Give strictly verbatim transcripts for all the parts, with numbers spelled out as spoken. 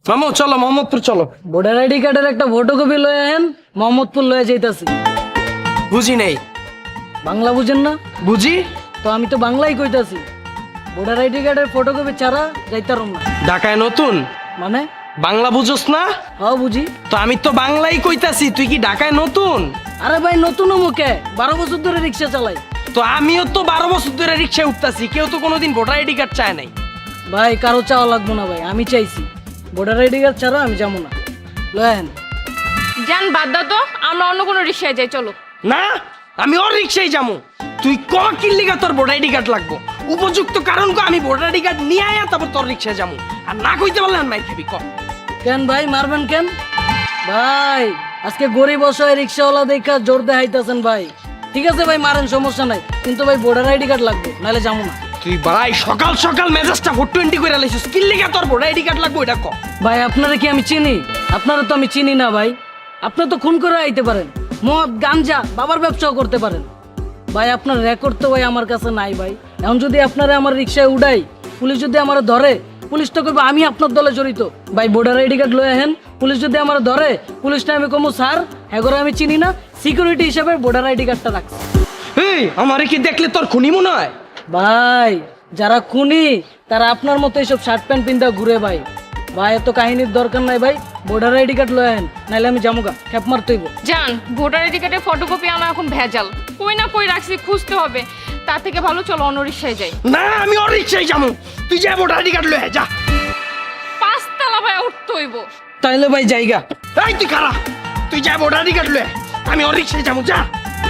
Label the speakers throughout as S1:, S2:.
S1: মামু চলো মোহাম্মদপুর চলো।
S2: ভোটার আইডি কার্ডের একটা ফটোকপি লয়ে আহেন, মোহাম্মদপুর লয়ে যাইতাছি।
S1: বুঝি নেই।
S2: বাংলা বুঝেন না?
S1: বুঝি।
S2: তো আমি তো বাংলাই কইতাছি। ভোটার আইডি কার্ডের ফটোকপি ছাড়া যাইতারম না।
S1: ঢাকায় নতুন
S2: মানে
S1: বাংলা বুঝোস না?
S2: হ্যাঁ বুঝি।
S1: তো আমি তো বাংলাই কইতাছি, তুই কি ঢাকায় নতুন?
S2: আরে ভাই নতুন মুখে বারো বছর ধরে রিক্সা চালাই।
S1: তো আমিও তো বারো বছর ধরে রিক্সায় উঠতাছি, কেউ তো কোনোদিন ভোটার আইডি কার্ড চায় নাই।
S2: ভাই কারো চাওয়া লাগবো না ভাই, আমি চাইছি। ভোটার আইডি কার্ড ছাড়া আমি যাবো না। লয়ে আহেন।
S3: যান বাদ দাও তো, আমরা অন্য কোনো রিক্সায় যাই চলো।
S1: না আমি ওর রিক্সায় যাবো। তুই ক কিল্লিগা তোর ভোটার আইডি কার্ড লাগবো, উপযুক্ত কারণ কো আমি ভোটার আইডি কার্ড নিয়ে আয়া তারপর তোর রিক্সায় যাবো। আর না কইতে পারলে মাই খাবি ক।
S2: কেন ভাই মারবেন কেন? ভাই আজকে গরিব অসহায় রিক্সাওয়ালা দেখা জোর দেখাইতেছেন ভাই। ঠিক আছে ভাই মারেন, সমস্যা নাই, কিন্তু ভাই ভোটার আইডি কার্ড লাগবে, নাহলে যাবো না।
S1: তুই ভাই সকাল সকাল মেজাজটা ফোর টোয়েন্টি করে লাইছিস, কিল্লিগা তোর ভোটার আইডি কার্ড লাগবে এটা ক।
S2: ভাই আপনারা কি আমি চিনি? আপনারা তো আমি চিনি না ভাই। আপনারা তো খুন করে আইতে পারেন, মদ গাঞ্জা বাবার ব্যবসাও করতে পারেন। ভাই আপনার রেকর্ড তো ভাই আমার কাছে নাই ভাই। এখন যদি আপনারা আমার রিক্সায় উড়াই, পুলিশ যদি আমার ধরে, পুলিশ তো করবে আমি আপনার দলে জড়িত। ভাই ভোটার আইডি কার্ড লয়ে আহেন, পুলিশ যদি আমার ধরে, পুলিশটা আমি কমু স্যার এগোরে আমি চিনি না, সিকিউরিটি হিসাবে ভোটার আইডি কার্ডটা রাখছি।
S1: এই আমারে কি দেখলে তোর খুনি মনে হয়?
S2: ভাই যারা খুনি তারা আপনার মতো এইসব শার্ট প্যান্ট পিন্ধা ঘুরে ভাই। ভাই এত কাহিনীর দরকার নাই ভাই, ভোটার আইডি কার্ড লয়ে আহেন, নাহলে আমি জামুগা খেপ মারতেইব।
S3: যান ভোটার আইডি কার্ডের ফটোকপি আনা এখন ভেজাল, কই না কই রাখছি, খুঁজতে হবে। তার থেকে ভালো চলো অন্য রিক্সায় যাই।
S1: না আমি ওর রিক্সায় যাবো, তুই যা ভোটার আইডি কার্ড লয়ে যা।
S3: পাঁচতলা ভাই উঠতে হইব।
S2: তাইলে ভাই জায়গা।
S1: এই তুই খারা, তুই যা ভোটার আইডি কার্ড লয়ে, আমি ওর রিক্সায় যাবো যা।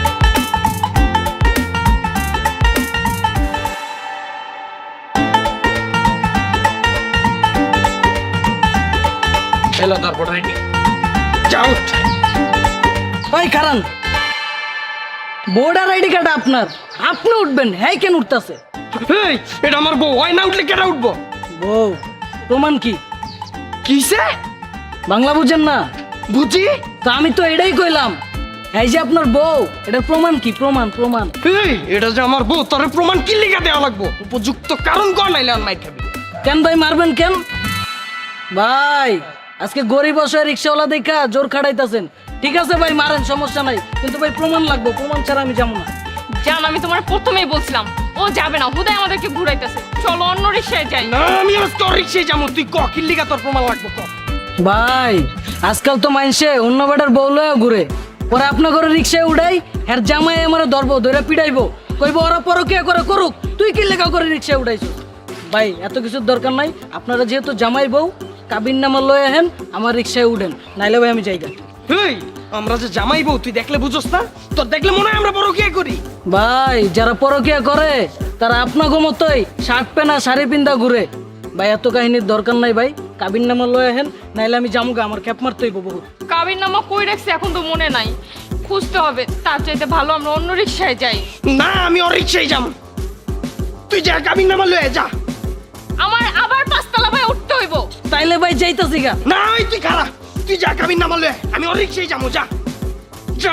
S1: এলো তোর ভোটার আইডি, যাও।
S2: ভাই কারণ ভোটার আইডি কার্ড আপনার, আপনি উঠবেন, হ্যাঁ কেন উঠতেছে?
S1: এই এটা আমার বউ, হয় না উঠলে কেটা উঠবো?
S2: বউ প্রমাণ কি?
S1: কিসে?
S2: বাংলা বুঝেন না?
S1: বুঝি।
S2: তো আমি তো এটাই কইলাম, এই যে আপনার বউ, এটার প্রমাণ কি? প্রমাণ প্রমাণ।
S1: এই এটা যে আমার বউ, তোর প্রমাণ কি লিখে দেওয়া লাগবো? উপযুক্ত কারণ কর, নাইলে আর মাইর খাবি।
S2: কেন ভাই মারবেন কেন? ভাই আজকে গরিব অসহায় রিক্সাওয়ালা দেখা জোর খাড়াইতেছেন। ঠিক আছে ভাই মারেন, সমস্যা নাই, কিন্তু ভাই প্রমাণ লাগবে, প্রমাণ ছাড়া আমি যাবো না।
S3: যান আমি তোমার প্রথমেই বলছিলাম ও যাবে না, হুদায় আমাদেরকে ঘুরাইতেছে, চলো অন্য রিক্সায় যাই।
S1: না আমি আজ তোর রিক্সায় যাবো, তুই ক কি লিখে তোর প্রমাণ লাগবে ক।
S2: ভাই আজকাল তো মাইনসে অন্য বেটার বউ লয়ে ঘুরে, পরে আপনার ঘরে রিক্সায় উঠাই, হ্যার জামাই আমার ধরবো, ধরে পিটাইবো, কইবো ওরা পরকিয়া করে করুক, তুই কি লেখা করে রিক্সায় উঠাইছো? ভাই এত কিছুর দরকার নাই, আপনারা যেহেতু জামাই বউ, কাবিন নামা লয়ে আহেন, আমার রিক্সায় উঠেন, নাইলে ভাই আমি যাইগা।
S1: এই আমরা যে জামাই বউ, তুই দেখলে বুঝোস না? তোর দেখলে মনে হয় আমরা পরকিয়া করি।
S2: ভাই যারা পরকিয়া করে তারা আপনাকে মতোই শার্ট পেনা শাড়ি পিন্দা ঘুরে। ভাই এত কাহিনীর দরকার নাই ভাই, কাবিন নামা লয়ে আহেন, নাইলে আমি জামুগা, আমার ক্যাপ মারতে হইব বহুত।
S3: কাবির নামা কই রাখছি এখন তো মনে নাই, খুঁজতে হবে। তার চাইতে ভালো আমরা অন্য রিক্সায় যাই।
S1: না আমি ওর রিক্সায় যাবো, তুই যা কাবিন নামা লয়ে যা।
S3: আমার আবার পাঁচতলা ভাই উঠতে হইব।
S2: তাইলে ভাই যাইতাছি গা।
S1: না ওই তুই খারা, তুই যা কাবিন নামা লয়ে, আমি ওর রিক্সায় যাবো যা যা।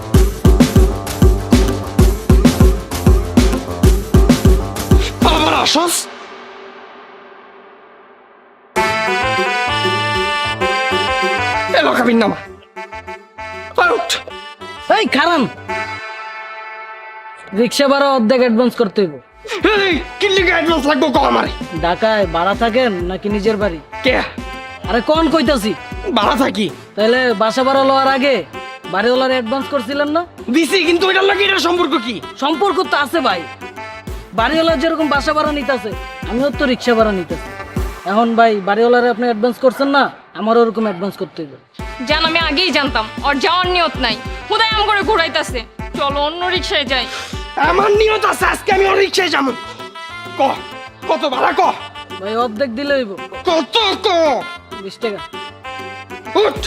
S1: আবার আসস? এলো কাবিন নামা, আউট।
S2: এই খারান, রিক্সা ভাড়া অর্ধেক অ্যাডভান্স করতে হইব।
S1: এই কি লিখে অ্যাডভান্স লাগবো ক আমারে?
S2: ঢাকায় ভাড়া থাকেন নাকি নিজের বাড়ি?
S1: কে?
S2: আরে কোন কইতাছি?
S1: ভাড়া থাকি।
S2: তাইলে বাসা ভাড়া লওয়ার আগে বাড়িওয়ালার অ্যাডভান্স করছিলেন না?
S1: দিছি, কিন্তু এটার লাগে এটার সম্পর্ক কি?
S2: সম্পর্ক তো আছে ভাই, বাড়িওয়ালার যেরকম বাসা ভাড়া নিতেছে আমিও তো রিক্সা ভাড়া নিতেছি। এখন ভাই বাড়িওয়ালারে আপনি অ্যাডভান্স করছেন না, আমারও ওরকম অ্যাডভান্স করতে হইবে।
S3: জান আমি আগেই জানতাম ওর যাওয়ার নিয়ত নাই, হুদায় আম করে ঘুরাইতেছে, চলো অন্য রিক্সায় যাই।
S1: আমার নিয়ত আছে, আজকে আমি ওর রিক্সায় যাবো। ক কত ভাড়া ক?
S2: ভাই অর্ধেক দিলে হইব।
S1: কত ক?
S2: বিশ টাকা।
S1: উঠ।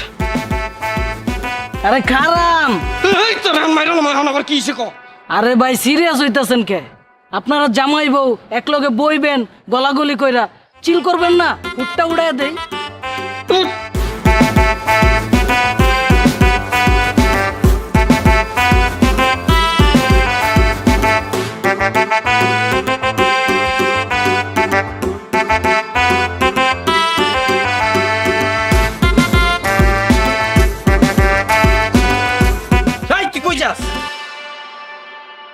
S2: আরে খারাম,
S1: এই তো রান মাইরাল এখন আবার কি হইছে ক?
S2: আরে ভাই সিরিয়াস হইতাছেন কে? আপনারা জামাই বউ একলগে বইবেন, গলাগলি কইরা চিল করবেন না, উঠটা উড়াইয়া দেই।
S1: উঠ।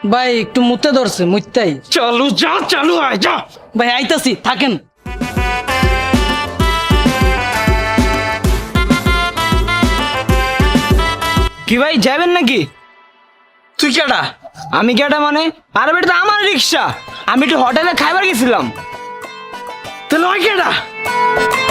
S2: ভাই একটু মুতে ধরছে মুত্তাই।
S1: চালু যা চালু আয় যা।
S2: ভাই আইতাছি, থাকেন।
S4: কি ভাই যাবেন নাকি?
S1: তুই কেডা?
S4: আমি কেটা মানে? আরে বেটা তো আমার রিক্সা, আমি একটু হোটেলে খাইবার গেছিলাম।
S1: তাহলে ওই কেডা?